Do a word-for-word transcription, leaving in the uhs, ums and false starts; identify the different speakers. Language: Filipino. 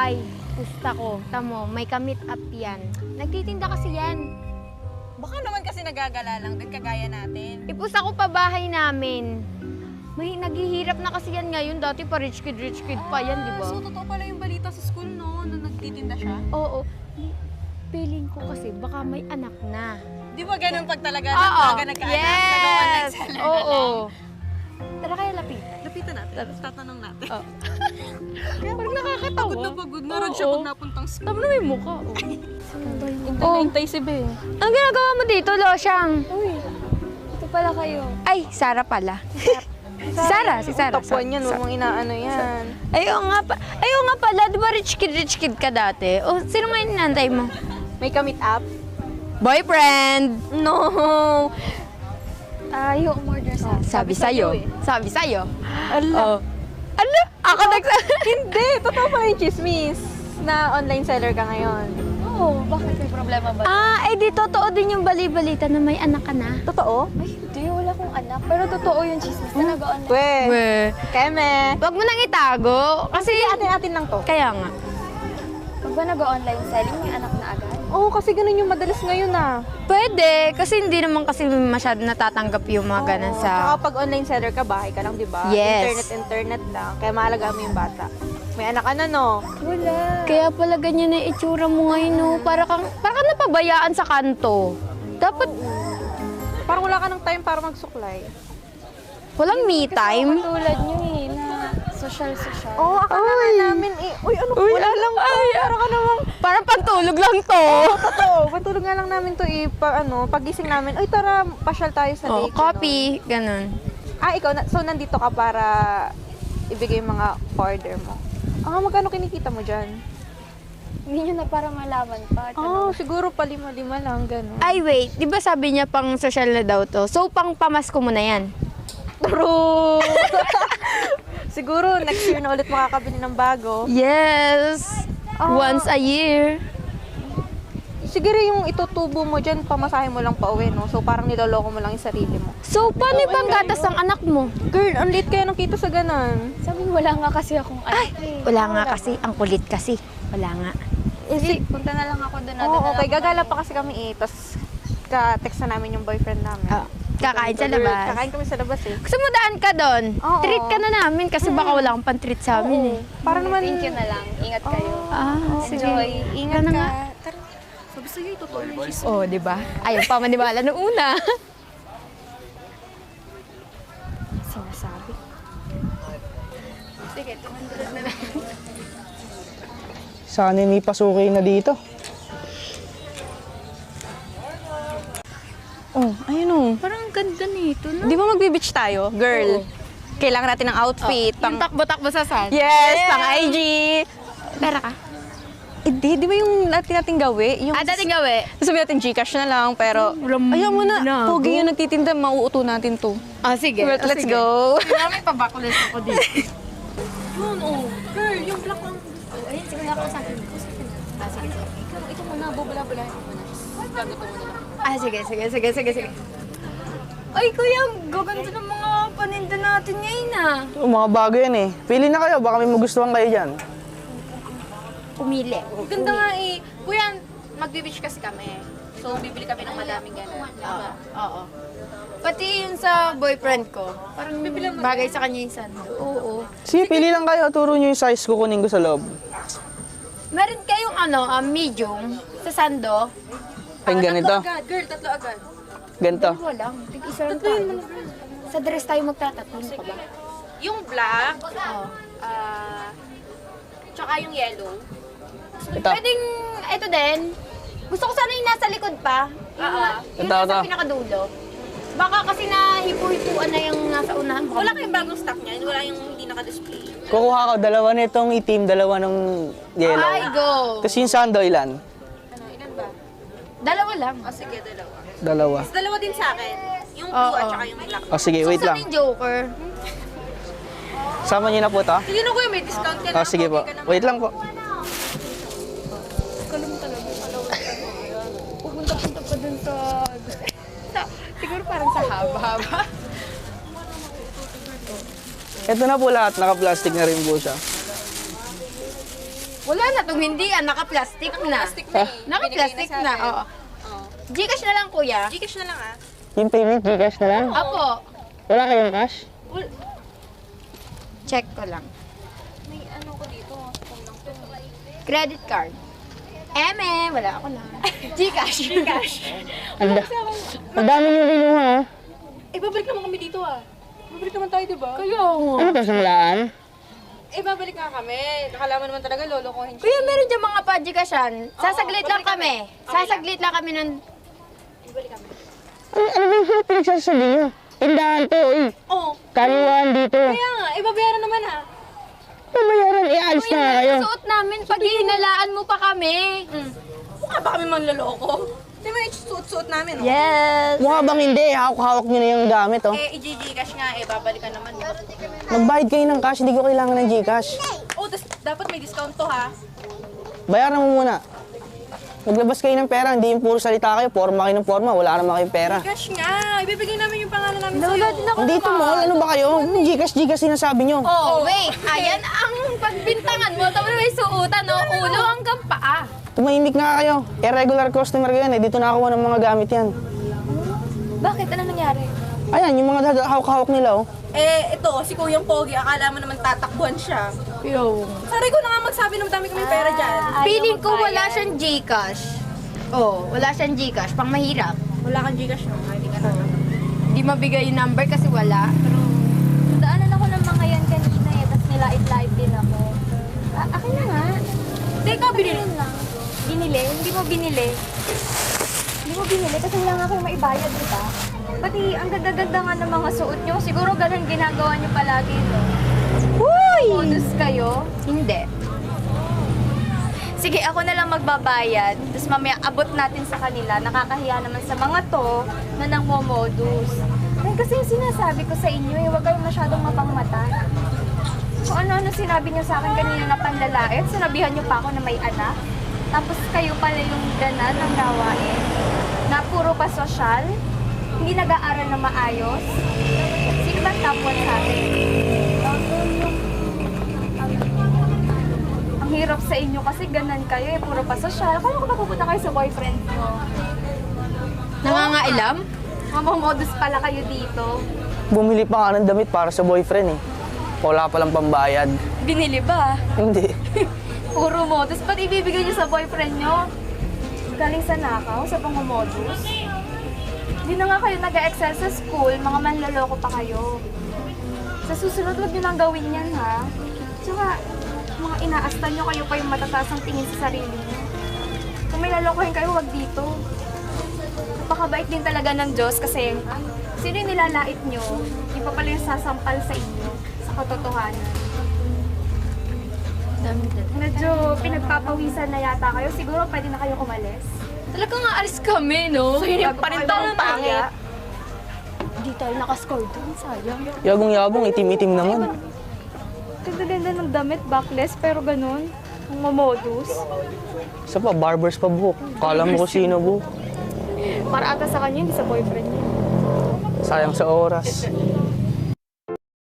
Speaker 1: bahay. Pusta ko. Tamo, may ka-meet up yan. Nagtitinda kasi yan.
Speaker 2: Baka naman kasi nagagala lang din, kagaya natin.
Speaker 1: Ipusta ko pa bahay namin. May naghihirap na kasi yan ngayon. Dati pa rich kid, rich kid pa yan, di ba?
Speaker 2: So, totoo pala yung balita sa school, no? Na nagtitinda siya?
Speaker 1: Oo. Feeling ko kasi baka may anak na.
Speaker 2: Di ba ganun pag talaga
Speaker 1: Oo.
Speaker 2: nagkaga nagkaanak?
Speaker 1: Yes!
Speaker 2: Nag-online
Speaker 1: Oo. Tara kaya lapit.
Speaker 2: Lapitan natin. Tatanong natin.
Speaker 1: Oh. Parang nakakatawa.
Speaker 2: Pagod na pagod na rin siya
Speaker 1: Oo.
Speaker 2: pag napuntang school.
Speaker 1: Tama na may mukha. Oh.
Speaker 2: Oh. Hintay si Ben.
Speaker 1: Ang ginagawa mo dito, Losyang?
Speaker 3: Uy, ito pala kayo.
Speaker 1: Ay, Sara pala. Si Sara, si Sara.
Speaker 2: Tapuan yan, huwag mong inaano yan.
Speaker 1: Ayaw nga, pa, ayaw nga pala, di ba rich kid, rich kid ka dati? O, sino ngayon inantay mo?
Speaker 2: May ka-meet up?
Speaker 1: Boyfriend!
Speaker 2: No!
Speaker 3: Ayaw umorder sa
Speaker 1: Sabi sa'yo.
Speaker 2: eh.
Speaker 1: Sabi sa'yo.
Speaker 2: Ala.
Speaker 1: Oh. Ano? Ako nagsa...
Speaker 2: Hindi! Totoo pala yung chismis na online seller ka ngayon.
Speaker 3: Oo, bakit may problema ba?
Speaker 1: Ah, eh di totoo din yung bali-balita na may anak ka na.
Speaker 2: Totoo?
Speaker 3: Ay, hindi, wala akong anak. Pero totoo yung chismis na nag-online.
Speaker 2: We!
Speaker 1: We,
Speaker 2: Keme!
Speaker 1: wag mo nang itago. Kasi,
Speaker 2: Atin-atin lang to.
Speaker 1: kaya nga.
Speaker 3: Pag ba nag-online selling, may anak na agad?
Speaker 2: Oo, kasi ganun yung madalas ngayon ah.
Speaker 1: Pwede, kasi hindi naman kasi masyado natatanggap yung mga ganun
Speaker 2: Oo.
Speaker 1: sa...
Speaker 2: Saka pag online seller ka, bahay ka lang, di ba?
Speaker 1: Yes.
Speaker 2: Internet, internet lang. Kaya mahalaga mo yung bata. May anak ka na, no?
Speaker 3: Wala.
Speaker 1: Kaya pala ganyan na itsura mo ngayon, no? Para kang, para kang napabayaan sa kanto. Dapat,
Speaker 2: Parang wala ka ng time para magsuklay.
Speaker 1: walang me time.
Speaker 3: Tulad nyo eh, na social-social.
Speaker 2: Oo, oh, akala nga namin eh. Uy, ano?
Speaker 1: Uy,
Speaker 2: wala
Speaker 1: ano?
Speaker 2: lang to.
Speaker 1: Ay,
Speaker 2: Parang ka namang...
Speaker 1: Parang pantulog lang to.
Speaker 2: Totoo. Patulog nga lang namin to eh. Pa, ano, pagising namin, uy, tara, pasyal tayo sa
Speaker 1: Oh,
Speaker 2: date.
Speaker 1: copy, ganun.
Speaker 2: Ano. Ah, ikaw, na, so nandito ka para ibigay yung mga order mo. Ah, magkano kinikita mo dyan?
Speaker 3: Hindi nyo na para malaman pa.
Speaker 2: Oh, siguro pa lima-lima lang, gano'n.
Speaker 1: Ay, wait. Di ba sabi niya pang social na daw to? So, pang pamasko mo na yan.
Speaker 2: True! Siguro, next year na ulit makakabili ng bago.
Speaker 1: Yes!
Speaker 2: Ah.
Speaker 1: Once a year.
Speaker 2: Siguro yung itutubo mo dyan, pamasahe mo lang pa uwi, no? So, parang niloloko mo lang yung sarili mo.
Speaker 1: So, paano ibang gatas ang anak mo?
Speaker 2: Girl, ang late kaya nang kita sa ganon.
Speaker 3: Sabi wala nga kasi akong anak eh.
Speaker 1: Wala nga kasi. Ang kulit kasi. Wala nga.
Speaker 2: Eh, si...
Speaker 3: Punta na lang ako doon.
Speaker 2: Oo, okay. Gagala pa kasi kami eh. Tapos, ka-text na namin yung boyfriend namin.
Speaker 1: Ah, kakain sa
Speaker 2: Girl,
Speaker 1: labas.
Speaker 2: Kakain kami sa labas eh.
Speaker 1: Gusto mo daan ka doon?
Speaker 2: Oo.
Speaker 1: Treat ka na namin kasi baka wala kang pan-treat sa amin eh.
Speaker 2: Para naman...
Speaker 3: Thank you na lang. Ingat kayo.
Speaker 1: Ah, sige.
Speaker 3: Enjoy.
Speaker 2: Ingat
Speaker 1: Ano
Speaker 2: ka.
Speaker 1: nga?
Speaker 2: Tara. Sabi sa'yo, totoo yung chismis.
Speaker 1: Oh, di ba? Ayaw pa maniwala nung una. Sinasabi. Sige, two hundred na lang.
Speaker 4: Sana ni pasukin na dito.
Speaker 2: Oh, ayun oh.
Speaker 1: Parang ang ganda nito, no?
Speaker 2: Di ba magbe-beach tayo? Girl, kailangan natin ng outfit.
Speaker 1: Yung takbo-takbo sa sun.
Speaker 2: Yes, pang I G.
Speaker 1: Pera ka?
Speaker 2: Eh, di, di ba yung natin natin gawi? Yung
Speaker 1: Ah, dating gawi.
Speaker 2: sabi natin Gcash na lang, pero
Speaker 1: Ram-
Speaker 2: ayaw mo na.
Speaker 1: na.
Speaker 2: Pogi yung nagtitinda, mauuto natin to.
Speaker 1: Ah, sige.
Speaker 2: Let's,
Speaker 1: Ah,
Speaker 2: let's
Speaker 1: sige.
Speaker 2: go.
Speaker 1: Kaya may pabacklist ako dito.
Speaker 3: Yun, oh. Girl, yung black one. Oh, ayun, sige ako sa akin. Ah, sige, sige. Ikaw, ito muna, bubula-bulahin ko muna. Gaguto mo na lang.
Speaker 1: Ah, sige, sige, sige, sige, sige. Ay, kuya, ang gaganda ng mga paninda natin ngayon ah.
Speaker 4: Oh, mga bago yan eh. Pili na kayo, baka may magustuhan kayo dyan.
Speaker 1: Pumili.
Speaker 5: Ganda nga eh. Kuya, magbe-beach kasi kami. So, bibili kami ng madaming gano'n.
Speaker 1: Oo. Oo. Pati yun sa boyfriend ko. Parang bagay sa kanya yung sando. Oo.
Speaker 4: Sige, pili lang kayo. Turo nyo yung size, kukunin ko sa loob.
Speaker 1: Meron kayong ano, ah, medium sa sando?
Speaker 4: Ay, ganito.
Speaker 5: Agad, girl, tatlo agad.
Speaker 4: Ganito.
Speaker 1: Dalawa lang. Tig-isa lang tayo. Sa dress tayo magtatatlo pa ba?
Speaker 5: Yung black,
Speaker 1: Oo.
Speaker 5: ah, tsaka yung yellow.
Speaker 4: Ito.
Speaker 1: Pwedeng, ito din. Gusto ko sana yung nasa likod pa. Yung,
Speaker 5: Oo.
Speaker 1: yung
Speaker 4: Ito,
Speaker 1: nasa
Speaker 4: ito.
Speaker 1: pinakadulo. Baka kasi na hipu-hipuan na yung nasa unahan. Baka
Speaker 5: Wala kayong bagong stock niyan. Wala yung hindi naka-display.
Speaker 4: Kukuha ko, dalawa nitong itim, dalawa ng yellow.
Speaker 1: Ay, go!
Speaker 4: Tapos yung sando, ilan?
Speaker 5: Ano, ilan ba?
Speaker 1: Dalawa lang.
Speaker 5: O sige, dalawa.
Speaker 4: Dalawa.
Speaker 5: Tapos dalawa din sa akin. Yung blue
Speaker 1: Oo.
Speaker 5: at saka yung black.
Speaker 4: O sige, wait
Speaker 1: Saan
Speaker 4: lang.
Speaker 1: yung Joker?
Speaker 4: Sama nyo na po to.
Speaker 5: Sige na kuya, may discount ka na.
Speaker 4: O sige po.
Speaker 5: Okay ka naman.
Speaker 4: Wait lang po.
Speaker 1: Pupunta-punta pa dun sa... sa- Siguro parang sa haba-haba.
Speaker 4: Ito na po lahat, naka-plastic na rin po siya.
Speaker 1: Wala na itong hindi ah, naka-plastic na.
Speaker 3: Plastic na eh.
Speaker 1: Naka-plastic
Speaker 3: Binigay
Speaker 1: na,
Speaker 3: sa atin.
Speaker 1: oo. Gcash na lang, kuya.
Speaker 3: Gcash na lang ah.
Speaker 4: Yung payment, Gcash na lang?
Speaker 1: Apo.
Speaker 4: Wala kayong cash?
Speaker 1: Check ko lang.
Speaker 3: May ano ko dito. Phone lang to.
Speaker 1: Credit card. Eme, wala ako na. Gcash. Gcash.
Speaker 4: Ang da- ang dami niyo kinuha, ah.
Speaker 3: Eh, babalik naman kami dito ah. Babalik naman tayo, di ba?
Speaker 1: Kuya, nga.
Speaker 4: Ano to, sanglaan?
Speaker 3: Eh, babalik nga kami. Nakala mo naman talaga, lolokohin siya.
Speaker 1: Kuya, meron dyan mga pa-Gcashan. Sasaglit lang kami. Sasaglit lang kami ng...
Speaker 3: Ibalik kami.
Speaker 4: Ano, ano ba yung pinagsasabi niyo? Tindahan to, eh.
Speaker 3: Oo.
Speaker 4: Kaniwaan dito.
Speaker 3: Kaya nga, eh, babayaran naman ah.
Speaker 4: Pamayaran, ialis na nga kayo.
Speaker 1: Suot namin pag hinalaan mo pa kami.
Speaker 3: Mm. Mukha ba kami manloloko? Di ba yung suot-suot namin, oh?
Speaker 1: Yes.
Speaker 4: Mukha bang hindi, hawak-hawak niyo na yung gamit, oh.
Speaker 3: Eh, i-Gcash nga eh, babalikan naman.
Speaker 4: Magbayad kayo ng cash, hindi ko kailangan ng Gcash.
Speaker 3: Oh, tas, dapat may discount to ha.
Speaker 4: Bayaran mo muna. Maglabas kayo ng pera, hindi yung puro salita kayo, forma kayo ng forma, wala naman kayong pera.
Speaker 3: Cash nga, ibibigay namin yung pangalan namin sa'yo.
Speaker 1: Wala din ako.
Speaker 4: Dito mall, ano ba kayo? Gcash, Gcash sinasabi nyo.
Speaker 1: Oh, wait. Ayan ang pagbintangan mo. Tapos may suotan, no? Ulo hanggang paa.
Speaker 4: Tumahimik nga kayo. Irregular customer ko yan eh. Dito nakakuha ng mga gamit yan.
Speaker 3: Bakit? Ano nangyari?
Speaker 4: Ayan, yung mga dada- hawak-hawak nila, oh.
Speaker 3: Eh, ito, si Kuyang Pogi, akala mo naman tatakbuhan siya.
Speaker 1: Yo.
Speaker 3: Sabi ko na nga magsabi ng dami kaming pera dyan.
Speaker 1: Feeling ko wala siyang Gcash. Oh, wala siyang Gcash. Pang mahirap.
Speaker 3: Wala kang Gcash no? Ay, Hindi ka na.
Speaker 1: Hindi mabigay yung number kasi wala.
Speaker 6: Daanan ako ng mga yan kanina eh, tapos nilait-lait din ako. A- akin na nga.
Speaker 3: Teka, binili.
Speaker 6: Yun lang. Binili? Hindi mo binili. Hindi mo binili kasi wala nga kayo maibayad, di ba? Pati ang ganda-ganda nga ng mga suot nyo. Siguro ganun ginagawa nyo palagi, no?
Speaker 1: Uy!
Speaker 6: Modus kayo.
Speaker 1: Hindi.
Speaker 6: Sige, ako na lang magbabayad. Tapos mamaya abot natin sa kanila. Nakakahiya naman sa mga to na nangmomodus. Ay, kasi yung sinasabi ko sa inyo, eh, huwag kayong masyadong mapangmata. Kung ano-ano sinabi niyo sa akin kanina na panlalait, sinabihan niyo pa ako na may anak. Tapos kayo pala yung ganan ng gawain. Na puro pa sosyal. Hindi nag-aaral na maayos. Sino ba top one sa akin? Ang hirap sa inyo kasi ganan kayo eh, puro pa sosyal. Paano ko mapupunta kayo sa boyfriend nyo?
Speaker 1: Nangangailam?
Speaker 6: Mamamodus pala kayo dito.
Speaker 4: Bumili pa nga ng damit para sa boyfriend, eh. Wala palang pambayad.
Speaker 6: Binili ba?
Speaker 4: Hindi.
Speaker 6: Puro modus. Ba't ibibigay nyo sa boyfriend nyo? Galing sa nakaw, sa pangmodus? Hindi na nga kayo nag-excel sa school, mga manloloko pa kayo. Sa susunod, huwag nyo nang gawin yan, ha? Tsaka, mga inaastan nyo, kayo pa yung matataas ang tingin sa sarili nyo. Kung may lalokohin kayo, huwag dito. Napakabait din talaga ng Diyos kasi sino yung nilalait nyo, yung pa pala yung sasampal sa inyo, sa katotohanan. Medyo pinagpapawisan na yata kayo. Siguro pwede na kayong umalis.
Speaker 1: Talaga nga alis kami, no?
Speaker 6: So, yun yung pa rin
Speaker 1: Parang
Speaker 6: tayong pangit.
Speaker 1: Hindi tayo nakascore dun, sayang.
Speaker 4: Yabong-yabong, itim-itim naman.
Speaker 6: Ganda-ganda ng damit, backless, pero ganun. Ang mamodus.
Speaker 4: Isa pa, barbers pa buhok. Kala mo kung sino buhok.
Speaker 6: Para ata sa kanya, hindi sa boyfriend niya.
Speaker 4: Sayang sa oras.